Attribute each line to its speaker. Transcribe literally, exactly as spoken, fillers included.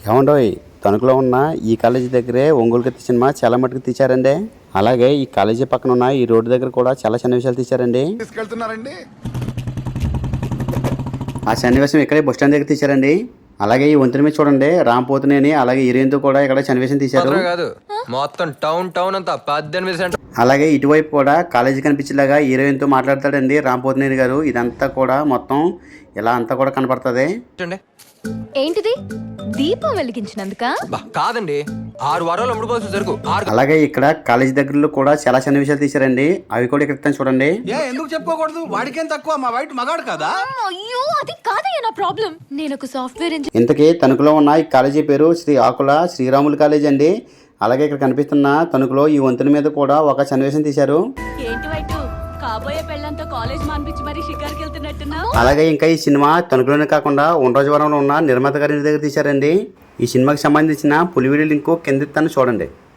Speaker 1: ఏమండోయ్, తణుకులో ఉన్న ఈ కాలేజీ దగ్గరే ఒంగోలు కత్తి సినిమా చాలా మటుకు తీశారండి. అలాగే ఈ కాలేజీ పక్కన ఉన్న ఈ రోడ్డు దగ్గర కూడా చాలా సన్నివేశాలు తీశారండి.
Speaker 2: తీసుకెళ్తున్నారండి.
Speaker 1: ఆ సన్నివేశం ఇక్కడే బస్ స్టాండ్ దగ్గర తీశారండి. అలాగే ఈ వంతెన మీద చూడండి, రాంపోతునేని అలాగే హీరోయిన్ తో కూడా ఇక్కడ సన్నివేశం తీశారు.
Speaker 3: మొత్తం టౌన్ టౌన్ అంతా పద్దెనిమిది సెంటర్.
Speaker 1: అలాగే ఇటువైపు కూడా కాలేజీ కనిపించేలాగా హీరోయిన్ తో మాట్లాడతాడండి రాంపోతునేని గారు. ఇదంతా కూడా మొత్తం ఇలా అంతా కూడా కనపడుతుంది.
Speaker 4: ఏంటిది? దీపం వెలిగించినందుక?
Speaker 3: కాదండి, ఆరు వారాలు అమ్ముడుకోవాల్సి జరుగు.
Speaker 1: అలాగే ఇక్కడ కాలేజీ దగ్గరలో కూడా చాలా సన్నివేశాలు తీశారండి. అవి కూడా ఇక్కడ చూడండి.
Speaker 2: ఎందుకు చెప్పుకోకూడదు? వాడికేం తక్కువ, మా వైట్ మగాడు కదా.
Speaker 4: అయ్యో, అది కాదయ్యా నా ప్రాబ్లం. నేను ఒక సాఫ్ట్వేర్ ఇంజనీర్.
Speaker 1: ఇంతకీ తణుకులో ఉన్న ఈ కాలేజీ పేరు శ్రీ ఆకుల శ్రీరాములు కాలేజీ అండి. అలాగే ఇక్కడ కనిపిస్తున్న తణుకులో ఈ వంతెన మీద కూడా ఒక సన్నివేశం తీశారు.
Speaker 4: ఏంటి వైట్, కాబోయే పెళ్ళంతో కాలేజ్ మానిపించి మరి షికార్కి వెళ్తున్నట్టున్నా?
Speaker 1: అలాగే ఇంకా ఈ సినిమా తణుకులోనే కాకుండా ఉండరాజవరంలో ఉన్న నిర్మాత గారి దగ్గర తీశారండి. ఈ సినిమాకి సంబంధించిన పులి వీడియో లింక్ కింద ఇస్తాను చూడండి.